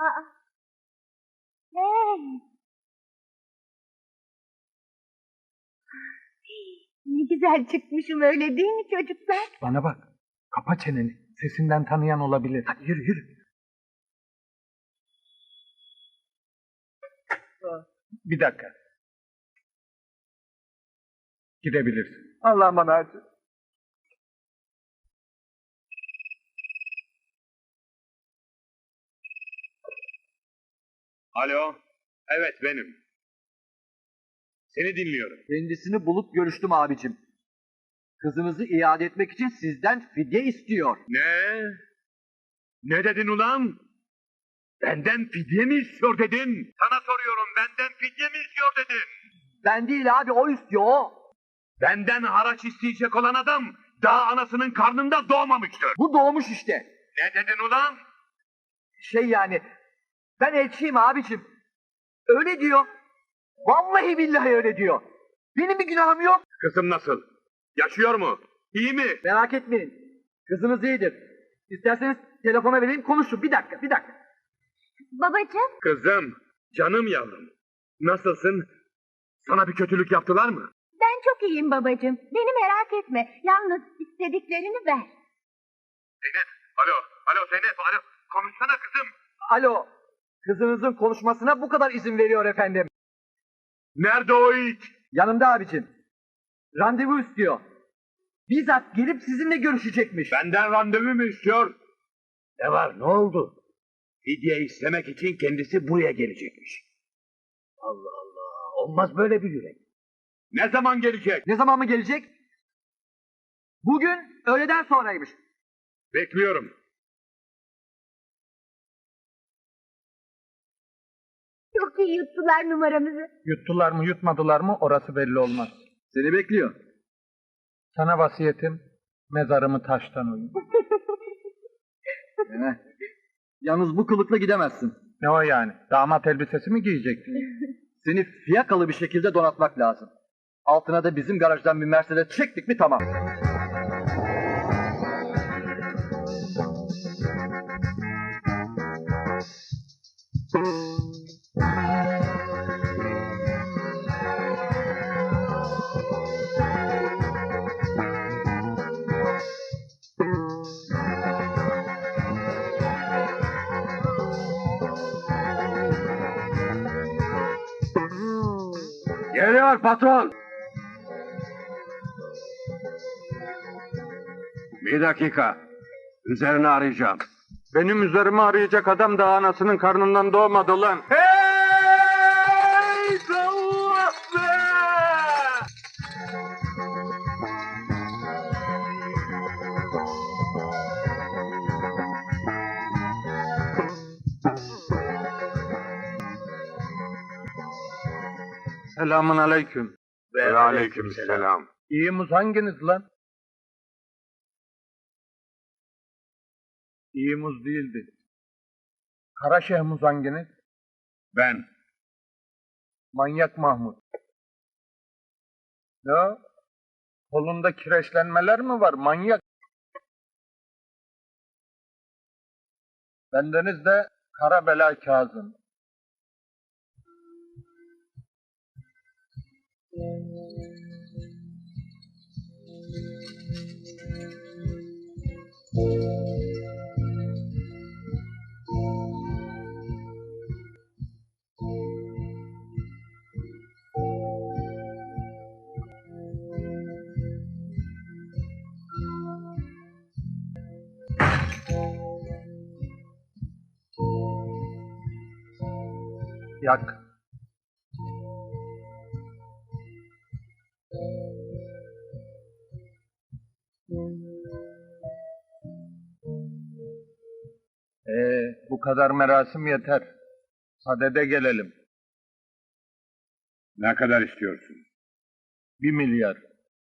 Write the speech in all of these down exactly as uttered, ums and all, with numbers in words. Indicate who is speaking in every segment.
Speaker 1: Aa, hey! Ne güzel çıkmışım öyle değil mi çocuklar?
Speaker 2: Bana bak. Kapa çeneni. Sesinden tanıyan olabilir.
Speaker 3: Hadi yürü yürü.
Speaker 2: Bir dakika. Gidebilirsin.
Speaker 3: Allah'ım bana acı.
Speaker 4: Alo, evet benim. Seni dinliyorum.
Speaker 3: Kendisini bulup görüştüm abicim. Kızınızı iade etmek için sizden fidye istiyor.
Speaker 4: Ne? Ne dedin ulan? Benden fidye mi istiyor dedin? Sana soruyorum, benden fidye mi istiyor dedin?
Speaker 3: Ben değil abi, o istiyor o.
Speaker 4: Benden haraç isteyecek olan adam daha anasının karnında doğmamıştır.
Speaker 3: Bu doğmuş işte.
Speaker 4: Ne dedin ulan?
Speaker 3: Şey yani, ben elçiyim abicim. Öyle diyor. Vallahi billahi öyle diyor. Benim bir günahım yok.
Speaker 4: Kızım nasıl? Yaşıyor mu? İyi mi?
Speaker 3: Merak etmeyin. Kızınız iyidir. İsterseniz telefona vereyim, konuşun. Bir dakika, bir dakika.
Speaker 1: Babacığım,
Speaker 4: Kızım, canım yavrum. Nasılsın? Sana bir kötülük yaptılar mı?
Speaker 1: ben çok iyiyim babacığım. Beni merak etme. Yalnız istediklerini ver.
Speaker 4: Zeynep, alo, alo Zeynep, alo. Konuşsana kızım.
Speaker 3: Alo, kızınızın konuşmasına bu kadar izin veriyor efendim.
Speaker 4: Nerede o it?
Speaker 3: Yanımda abicim. Randevu istiyor. Bizzat gelip sizinle görüşecekmiş.
Speaker 4: Benden randevu mu istiyor? Ne var, ne oldu? Fidye istemek için kendisi buraya gelecekmiş. Allah Allah, olmaz böyle bir yürek. Ne zaman gelecek?
Speaker 3: Ne zaman mı gelecek? Bugün öğleden sonraymış.
Speaker 4: Bekliyorum.
Speaker 1: Çok iyi yuttular numaramızı.
Speaker 2: Yuttular mı yutmadılar mı orası belli olmaz.
Speaker 3: Seni bekliyor.
Speaker 2: Sana vasiyetim mezarımı taştan oyun.
Speaker 3: Heh. Yalnız bu kılıkla gidemezsin.
Speaker 2: Ne o yani? Damat elbisesi mi giyecektin?
Speaker 3: Seni fiyakalı bir şekilde donatmak lazım. Altına da bizim garajdan bir Mercedes çektik mi tamam.
Speaker 4: Geliyor patron. Bir dakika. Üzerine arayacağım.
Speaker 2: Benim üzerime arayacak adam da anasının karnından doğmadı lan.
Speaker 4: Hey! Allah be!
Speaker 2: Selamun aleyküm.
Speaker 4: Ve aleykümselam.
Speaker 2: İyi muz hanginiz lan? İyi muz değildi. Karaşeh muz hanginiz?
Speaker 4: Ben.
Speaker 2: Manyak Mahmut. Ya kolunda kireçlenmeler mi var manyak? Bendeniz de Kara Bela Kazım. Yak. Ee, bu kadar merasim yeter. Sadede gelelim.
Speaker 4: Ne kadar istiyorsun?
Speaker 2: Bir milyar.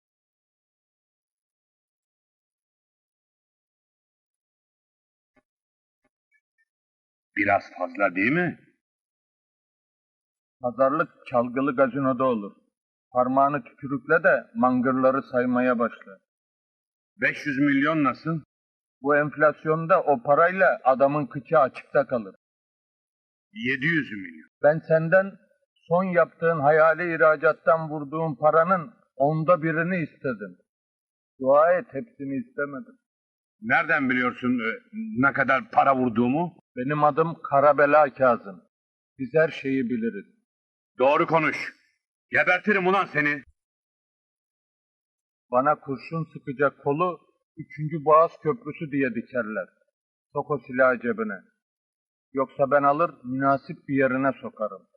Speaker 4: Biraz fazla değil mi?
Speaker 2: Pazarlık çalgılı gazinoda olur. Parmağını tükürükle de mangırları saymaya başla.
Speaker 4: beş yüz milyon nasıl?
Speaker 2: Bu enflasyonda o parayla adamın kıçı açıkta kalır.
Speaker 4: Yedi yüz milyon.
Speaker 2: Ben senden son yaptığın hayali ihracattan vurduğun paranın onda birini istedim. Dua et, hepsini istemedim.
Speaker 4: Nereden biliyorsun e, ne kadar para vurduğumu?
Speaker 2: Benim adım Karabela Kazım. Biz her şeyi biliriz.
Speaker 4: Doğru konuş. Gebertirim ulan seni.
Speaker 2: Bana kurşun sıkacak kolu üçüncü Boğaz Köprüsü diye dikerler. Sok o silahı cebine. Yoksa ben alır münasip bir yerine sokarım.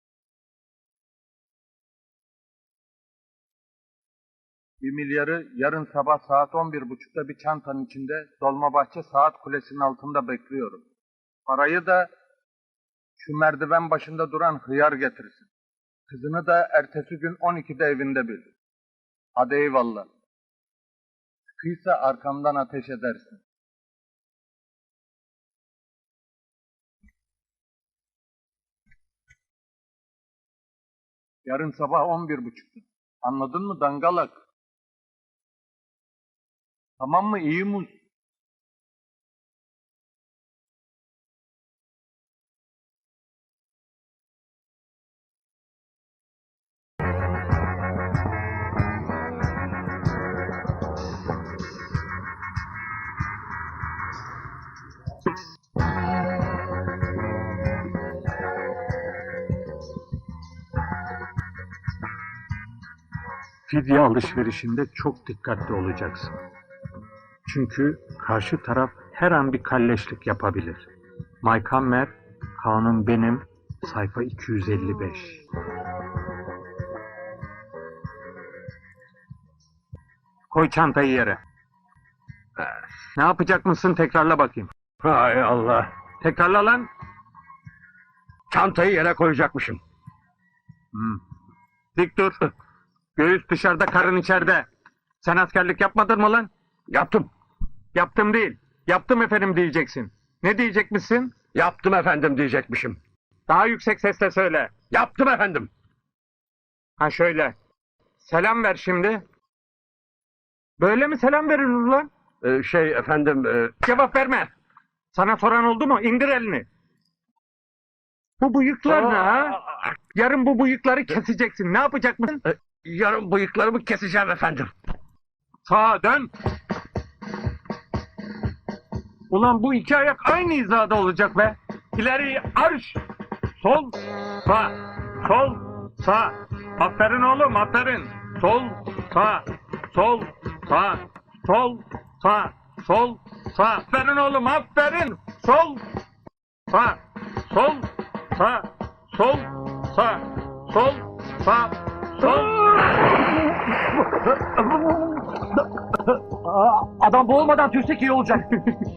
Speaker 2: Bir milyarı yarın sabah saat on bir buçukta bir çantanın içinde Dolmabahçe Saat Kulesi'nin altında bekliyorum. Parayı da şu merdiven başında duran hıyar getirsin. Kızını da ertesi gün on ikide evinde bil. Hadi eyvallah. Sıkıysa arkamdan ateş edersin. Yarın sabah on bir buçukta. Anladın mı dangalak? Tamam mı iyi muz?
Speaker 5: Fidye alışverişinde çok dikkatli olacaksın. Çünkü karşı taraf her an bir kalleşlik yapabilir. Mike Hammer, Kanun Benim, sayfa iki yüz elli beş. Koy çantayı yere. Ne yapacak mısın tekrarla bakayım.
Speaker 4: Hay Allah.
Speaker 5: Tekrarla lan.
Speaker 4: Çantayı yere koyacakmışım.
Speaker 5: Hmm. Dik dur. Göğüs dışarıda, karın içeride. Sen askerlik yapmadın mı lan?
Speaker 4: Yaptım.
Speaker 5: Yaptım değil. Yaptım efendim diyeceksin. Ne diyecekmişsin?
Speaker 4: Yaptım efendim diyecekmişim.
Speaker 5: Daha yüksek sesle söyle.
Speaker 4: Yaptım efendim.
Speaker 5: Ha şöyle. Selam ver şimdi. Böyle mi selam verilir lan?
Speaker 4: Ee, şey efendim... E...
Speaker 5: Cevap verme. Sana soran oldu mu? İndir elini. Bu bıyıklar ne ha? Yarın bu bıyıkları keseceksin. Ne yapacak mısın?
Speaker 4: E, yarın bıyıklarımı keseceğim efendim.
Speaker 5: Sağa dön. Ulan bu iki ayak aynı hizada olacak be. İleri arş. Sol, sağ. Sol, sağ. Aferin oğlum, aferin. Sol, sağ. Sol, sağ. Sol, sağ. Sol, sağ. Aferin oğlum, aferin. Sol, sağ. Sol, sağ. Sol, sağ. Sol, sağ. Sol.
Speaker 3: Adam boğulmadan tüysek iyi olacak.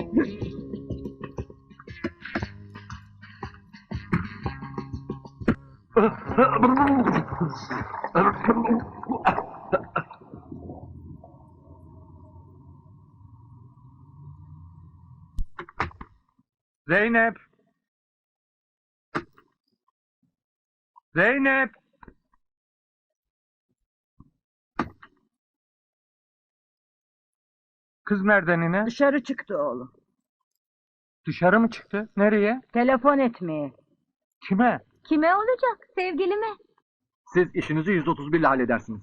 Speaker 5: Zeynep. Zeynep. Kız nereden yine?
Speaker 1: Dışarı çıktı oğlum.
Speaker 5: Dışarı mı çıktı? Nereye?
Speaker 1: Telefon etmeye.
Speaker 5: Kime?
Speaker 1: Kime olacak? Sevgilime.
Speaker 3: Siz işinizi yüz otuz bir ile halledersiniz.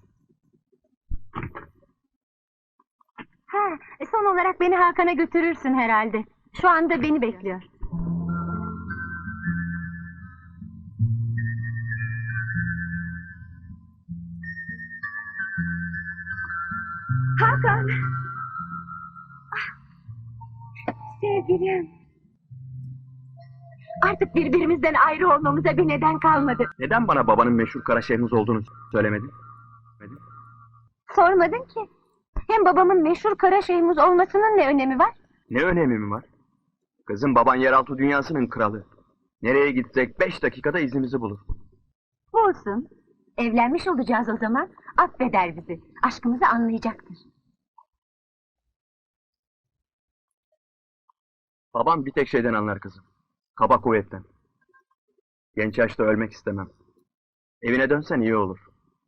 Speaker 1: Ha, e, son olarak beni Hakan'a götürürsün herhalde. Şu anda beni bekliyor. Hakan! Ah, sevgilim. Artık birbirimizden ayrı olmamıza bir neden kalmadı.
Speaker 3: Neden bana babanın meşhur kara şehriniz olduğunu söylemedin?
Speaker 1: Sormadın ki. Hem babamın meşhur kara şeyhimiz olmasının ne önemi var?
Speaker 3: Ne önemi mi var? Kızım baban yeraltı dünyasının kralı. Nereye gitsek beş dakikada izimizi bulur.
Speaker 1: Olsun. Evlenmiş olacağız o zaman. Affeder bizi. Aşkımızı anlayacaktır.
Speaker 3: Babam bir tek şeyden anlar kızım. Kaba kuvvetten. Genç yaşta ölmek istemem. Evine dönsen iyi olur.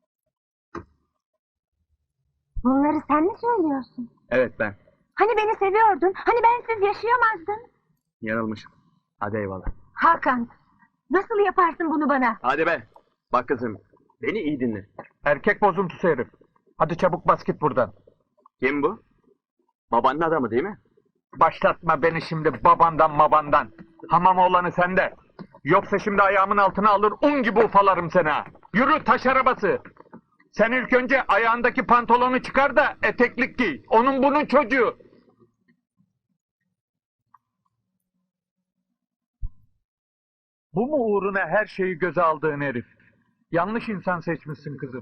Speaker 1: Bunları sen mi söylüyorsun?
Speaker 3: Evet ben.
Speaker 1: Hani beni seviyordun? Hani bensiz yaşayamazdın?
Speaker 3: Yanılmışım. Hadi eyvallah.
Speaker 1: Hakan, Nasıl yaparsın bunu bana?
Speaker 4: Hadi be. Bak kızım. Beni iyi dinle.
Speaker 5: Erkek bozuntusu herif. Hadi çabuk bas git buradan.
Speaker 4: Kim bu? Babanın adamı değil mi?
Speaker 5: Başlatma beni şimdi babandan mabandan. Hamam oğlanı sende. Yoksa şimdi ayağımın altına alır un gibi ufalarım seni ha. Yürü taş arabası. Sen ilk önce ayağındaki pantolonu çıkar da eteklik giy. Onun bunun çocuğu. Bu mu uğruna her şeyi göze aldığın herif? Yanlış insan seçmişsin kızım.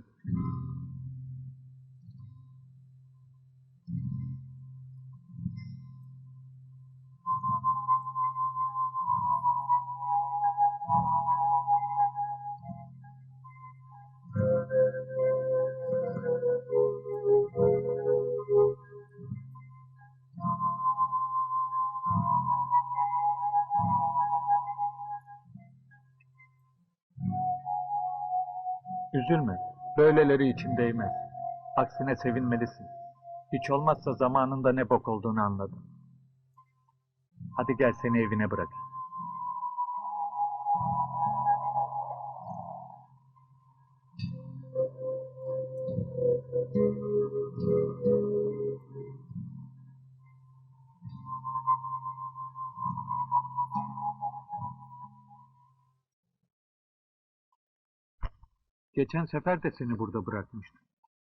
Speaker 5: Üzülme. Böyleleri için değmez. Aksine sevinmelisin. Hiç olmazsa zamanında ne bok olduğunu anladın. Hadi gel seni evine bırak. Geçen sefer de seni burada bırakmıştım.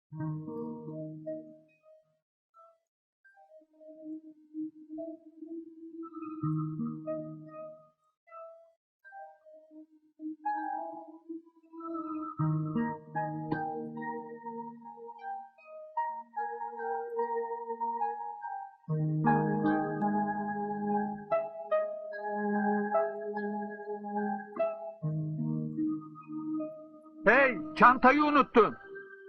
Speaker 5: Hey, çantayı unuttun.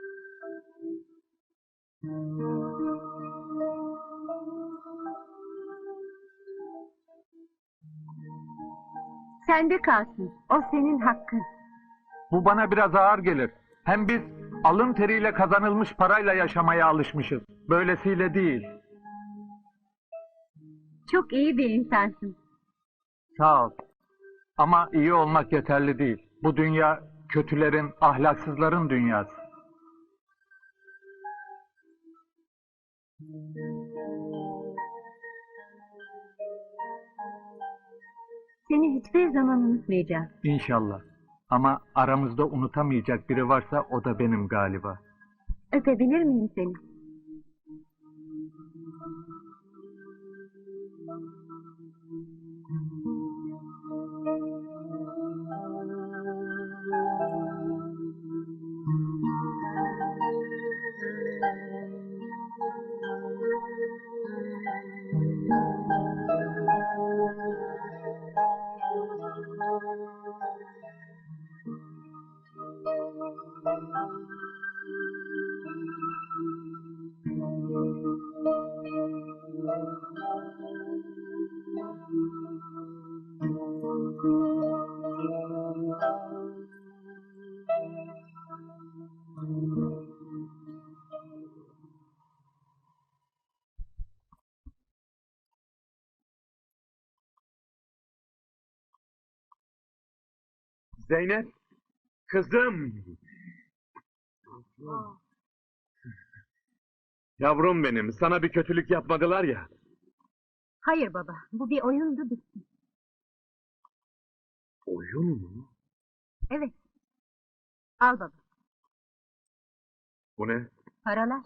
Speaker 1: Sende kalsın. O senin hakkın.
Speaker 5: Bu bana biraz ağır gelir. Hem biz alın teriyle kazanılmış parayla yaşamaya alışmışız. Böylesiyle değil.
Speaker 1: Çok iyi bir insansın.
Speaker 5: Sağ ol. Ama iyi olmak yeterli değil. Bu dünya kötülerin, ahlaksızların dünyası.
Speaker 1: Seni hiçbir zaman unutmayacağım.
Speaker 5: İnşallah. Ama aramızda unutamayacak biri varsa o da benim galiba.
Speaker 1: Öpebilir miyim seni?
Speaker 4: Zeynep. Kızım. Yavrum benim, sana bir kötülük yapmadılar ya.
Speaker 1: Hayır baba. Bu bir oyundu, bitti.
Speaker 4: Oyun mu?
Speaker 1: Evet. Al baba.
Speaker 4: Bu ne?
Speaker 1: Paralar.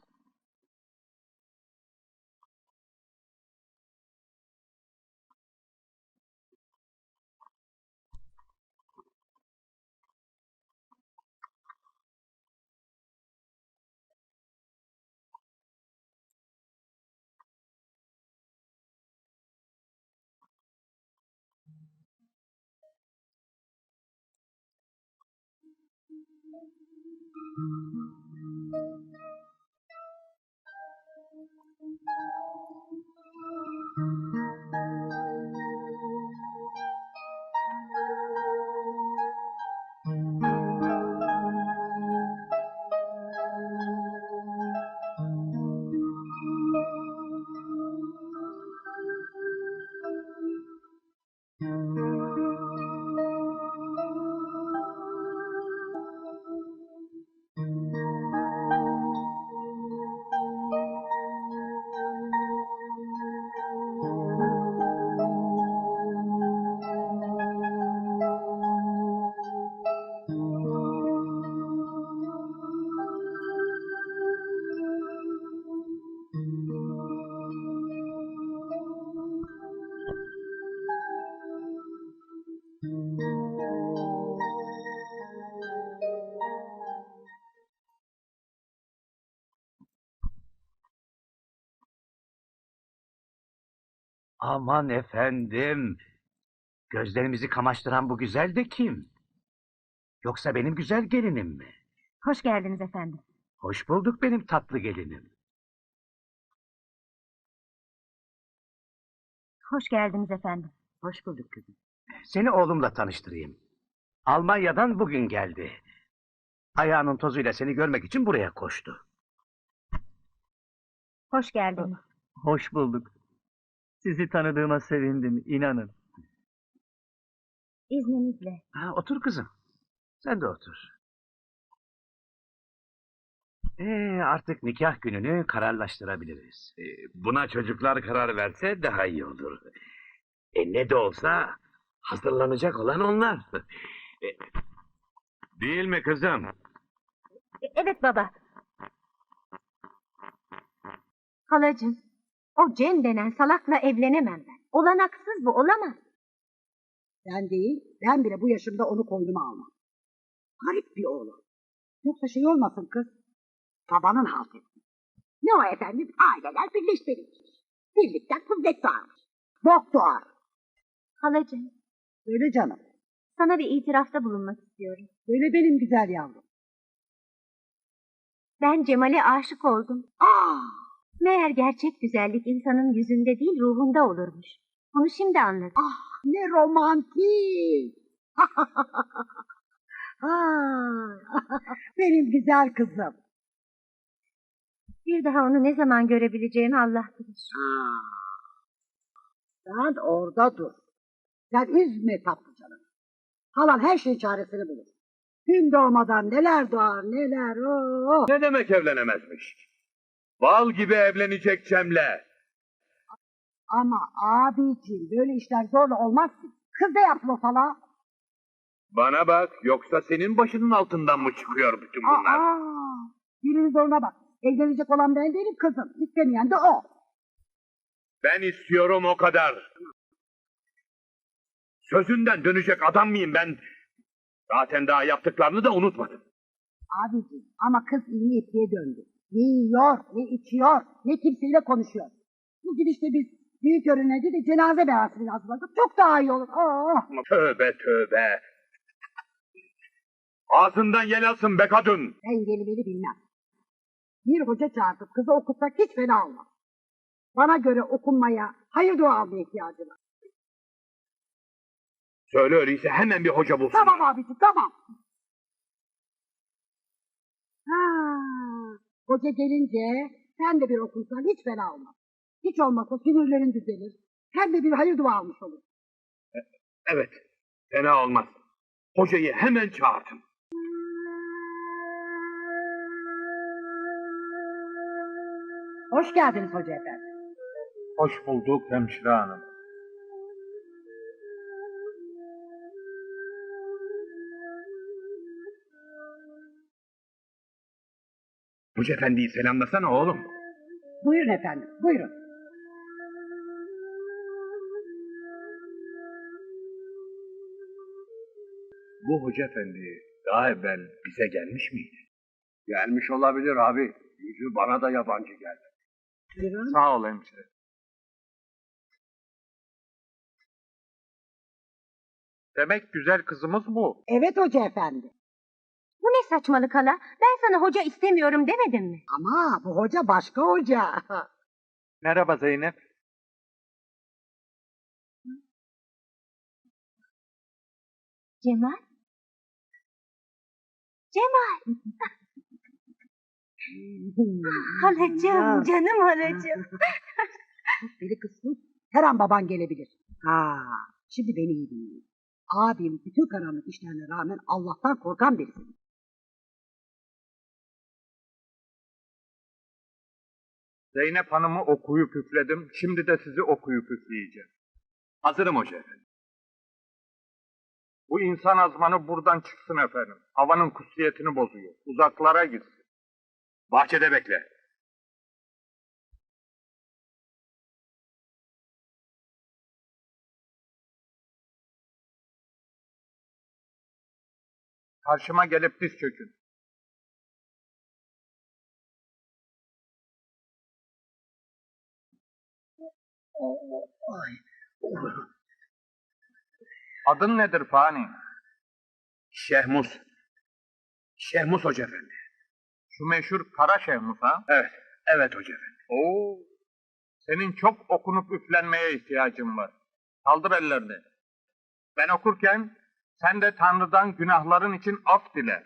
Speaker 4: Aman efendim. Gözlerimizi kamaştıran bu güzel de kim? Yoksa benim güzel gelinim mi?
Speaker 1: Hoş geldiniz efendim.
Speaker 4: Hoş bulduk benim tatlı gelinim.
Speaker 1: Hoş geldiniz efendim. Hoş bulduk kızım.
Speaker 4: Seni oğlumla tanıştırayım. Almanya'dan bugün geldi. Ayağının tozuyla seni görmek için buraya koştu.
Speaker 1: Hoş geldiniz.
Speaker 3: Hoş bulduk. Sizi tanıdığıma sevindim, inanın.
Speaker 1: İzninizle.
Speaker 4: Ha, otur kızım. Sen de otur. Ee, artık nikah gününü kararlaştırabiliriz.
Speaker 5: Ee, Buna çocuklar karar verse daha iyi olur. E ne de olsa hazırlanacak olan onlar. E, Değil mi kızım?
Speaker 1: E, Evet baba. Halacığım, o Cem denen salakla evlenemem ben. Olanaksız bu, olamaz.
Speaker 6: Ben değil, ben bile bu yaşımda onu koynuma almam. Garip bir oğlan. Yoksa şey olmasın kız, babanın halt etti. Ne o efendim, aileler birleştirilmiş. Birlikten kuvvet doğarmış. Bok doğar.
Speaker 1: Halacığım,
Speaker 6: Öyle canım,
Speaker 1: sana bir itirafta bulunmak istiyorum.
Speaker 6: öyle benim güzel yavrum.
Speaker 1: Ben Cemal'e aşık oldum.
Speaker 6: Aa,
Speaker 1: Meğer gerçek güzellik insanın yüzünde değil ruhunda olurmuş. Bunu şimdi anladım.
Speaker 6: ah ne romantik. Aa, benim güzel kızım.
Speaker 1: Bir daha onu ne zaman görebileceğimi Allah bilir.
Speaker 6: Aa, sen orada dur. Sen üzme tatlı canım. Halan her şeyin çaresini bulur. Gün doğmadan neler doğar neler. Oo.
Speaker 4: Ne demek evlenemezmiş? Bal gibi evlenecek Cem'le.
Speaker 6: Ama abiciğim böyle işler zorla olmaz ki. Kız da yapma falan.
Speaker 4: Bana bak, yoksa senin başının altından mı çıkıyor bütün bunlar?
Speaker 6: Aa, birinin zoruna bak. Evlenecek olan ben değilim kızım. İstemeyen de o.
Speaker 4: Ben istiyorum o kadar. Sözünden dönecek adam mıyım ben? Zaten daha yaptıklarını da unutmadım.
Speaker 6: Abiciğim ama kız iyi niyetliye döndü. Ne yiyor, ne içiyor, ne kimseyle konuşuyor. Bu gidişte biz büyük öğrenci de cenaze merasimi hazırladık. Çok daha iyi olur. Oh.
Speaker 4: Tövbe tövbe. Ağzından yel alsın be kadın.
Speaker 6: Ben gelimeli bilmem. Bir hoca çağırtıp kızı okutsak hiç fena olmaz. Bana göre okunmaya, hayır dua almaya ihtiyacı var.
Speaker 4: Söyle öyleyse hemen bir hoca bulsun.
Speaker 6: Tamam abiciğim, tamam. Ha, hoca gelince sen de bir okunsan hiç fena olmaz. Hiç olmazsa sinirlerin düzelir. Hem de bir hayır dua almış olur.
Speaker 4: Evet, fena olmaz. Hocayı hemen çağırtın.
Speaker 6: Hoş geldiniz hoca efendi.
Speaker 2: Hoş bulduk hemşire hanım.
Speaker 4: Hoca efendiyi selamlasana oğlum.
Speaker 6: Buyurun efendim, buyurun.
Speaker 4: Bu hoca efendi daha evvel bize gelmiş miydi?
Speaker 2: Gelmiş olabilir abi. Yüzü bana da yabancı geldi.
Speaker 6: Buyurun.
Speaker 2: Sağ ol hemşire. Demek güzel kızımız bu.
Speaker 6: Evet hoca efendi.
Speaker 1: Bu ne saçmalık hala? Ben sana hoca istemiyorum demedim mi?
Speaker 6: Ama bu hoca başka hoca.
Speaker 2: Merhaba Zeynep.
Speaker 1: Cemal? Cemal! Halacığım, canım halacığım.
Speaker 6: Deli kızsın. Her an baban gelebilir. Ha, şimdi beni iyi dinleyin. Abim bütün karanlık işlerine rağmen Allah'tan korkan birisi.
Speaker 2: Zeynep Hanım'ı okuyup üfledim. Şimdi de sizi okuyup üfleyeceğim.
Speaker 4: Hazırım hoca efendi.
Speaker 2: Bu insan azmanı buradan çıksın efendim. Havanın kutsiyetini bozuyor. Uzaklara gitsin.
Speaker 4: Bahçede bekle.
Speaker 2: Karşıma gelip diz çökün.
Speaker 6: Ay.
Speaker 2: Adın nedir Fani?
Speaker 4: Şehmus. Şehmus Hoca Efendi.
Speaker 2: Şu meşhur Kara Şehmus ha?
Speaker 4: Evet, evet Hoca Efendi.
Speaker 2: Oo, senin çok okunup üflenmeye ihtiyacın var. Kaldır ellerini. Ben okurken sen de Tanrı'dan günahların için af dile.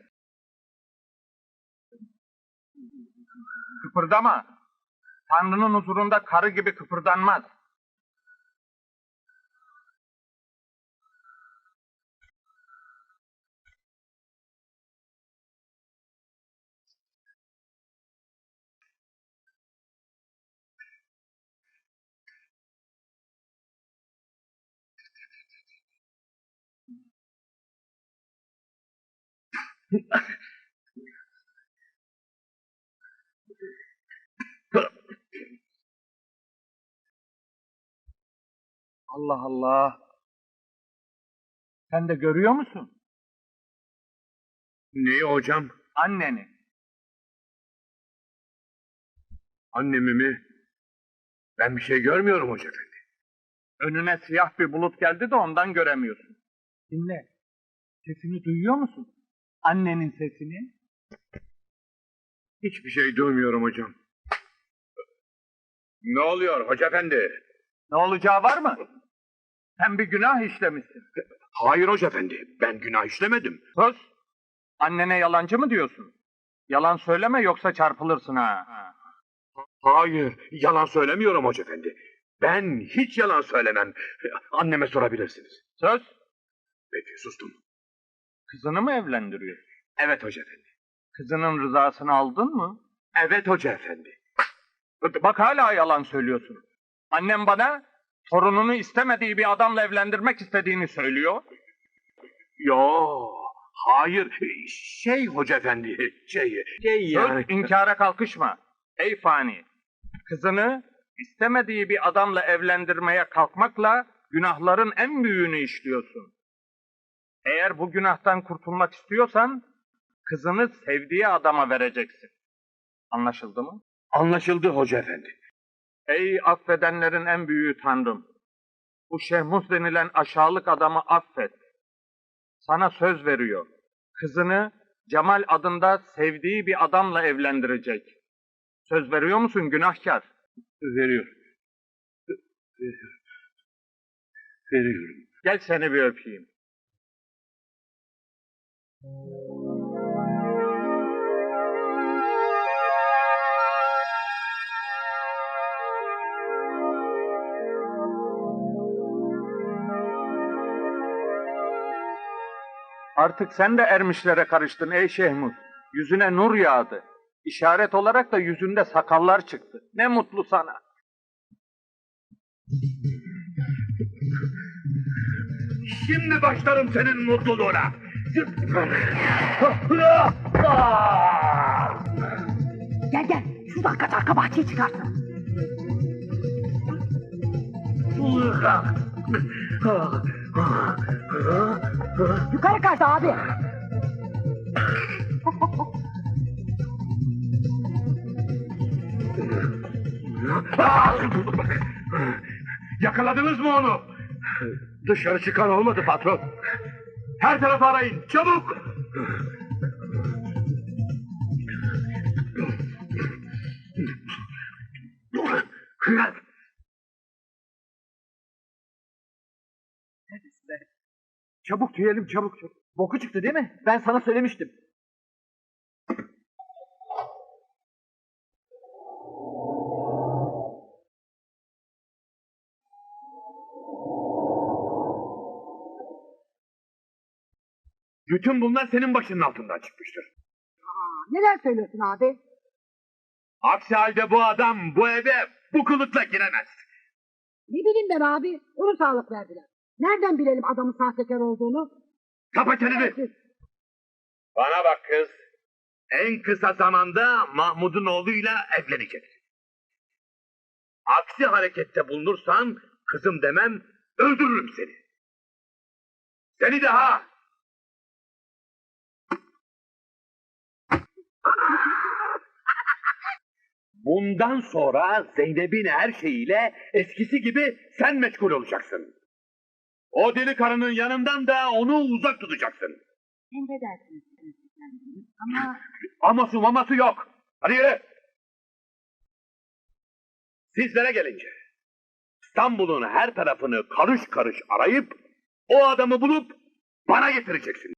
Speaker 2: Kıpırdama. Tanrı'nın huzurunda karı gibi kıpırdanmaz. Allah Allah. Sen de görüyor musun?
Speaker 4: Neyi hocam?
Speaker 2: Anneni.
Speaker 4: Annemi mi? Ben bir şey görmüyorum Hoca Efendi.
Speaker 2: Önüne siyah bir bulut geldi de ondan göremiyorsun. Dinle. Sesini duyuyor musun? Annenin sesini.
Speaker 4: Hiçbir şey duymuyorum hocam. Ne oluyor Hoca Efendi?
Speaker 2: Ne olacağı var mı? Sen bir günah işlemişsin.
Speaker 4: Hayır Hoca Efendi, ben günah işlemedim.
Speaker 2: Sus. Annene yalancı mı diyorsun? Yalan söyleme yoksa çarpılırsın ha.
Speaker 4: Hayır, yalan söylemiyorum Hoca Efendi. Ben hiç yalan söylemem. Anneme sorabilirsiniz.
Speaker 2: Söz.
Speaker 4: Peki, sustum.
Speaker 2: Kızını mı evlendiriyor?
Speaker 4: Evet Hoca Efendi.
Speaker 2: Kızının rızasını aldın mı?
Speaker 4: Evet Hoca Efendi.
Speaker 2: Bak hala yalan söylüyorsun. Annem bana torununu istemediği bir adamla evlendirmek istediğini söylüyor.
Speaker 4: Yo, hayır. Şey Hoca Efendi, şey, şey yani.
Speaker 2: Söz, inkara kalkışma. Ey fani, kızını istemediği bir adamla evlendirmeye kalkmakla günahların en büyüğünü işliyorsun. Eğer bu günahtan kurtulmak istiyorsan kızını sevdiği adama vereceksin. Anlaşıldı mı?
Speaker 4: Anlaşıldı Hoca Efendi.
Speaker 2: Ey affedenlerin en büyüğü Tanrım! Bu Şehmus denilen aşağılık adamı affet. Sana söz veriyor. Kızını Cemal adında sevdiği bir adamla evlendirecek. Söz veriyor musun günahkar?
Speaker 4: Veriyorum. Veriyorum. Veriyorum.
Speaker 2: Gel seni bir öpeyim. Artık sen de ermişlere karıştın ey Şehmus. Yüzüne nur yağdı. İşaret olarak da yüzünde sakallar çıktı. Ne mutlu sana.
Speaker 4: Şimdi başlarım senin mutluluğuna.
Speaker 6: Gel gel. Şuradan kaç arka bahçeye çıkarsın. Yukarı kaç abi.
Speaker 4: Yakaladınız mı onu? Dışarı çıkan olmadı patron. Her tarafı arayın, çabuk!
Speaker 3: Neredesin be? Çabuk tüyelim çabuk çabuk. Boku çıktı değil mi? Ben sana söylemiştim.
Speaker 4: Bütün bunlar senin başının altından çıkmıştır.
Speaker 6: Aa, neler söylüyorsun abi?
Speaker 4: Aksi halde bu adam bu eve bu kılıkla giremez.
Speaker 6: Ne bileyim ben abi. Onu sağlık verdiler. Nereden bilelim adamın sahtekar olduğunu?
Speaker 4: Kapa çeneni! Bana bak kız. En kısa zamanda Mahmud'un oğluyla evleneceksin. Aksi harekette bulunursan kızım demem, öldürürüm seni. Seni de ha! Bundan sonra Zeynep'in her şeyiyle eskisi gibi sen meşgul olacaksın. O deli karının yanından da onu uzak tutacaksın.
Speaker 6: Emredersiniz Prens Efendi. Ama
Speaker 4: Aması maması yok. Hadi yürü. Sizlere gelince İstanbul'un her tarafını karış karış arayıp o adamı bulup bana getireceksin.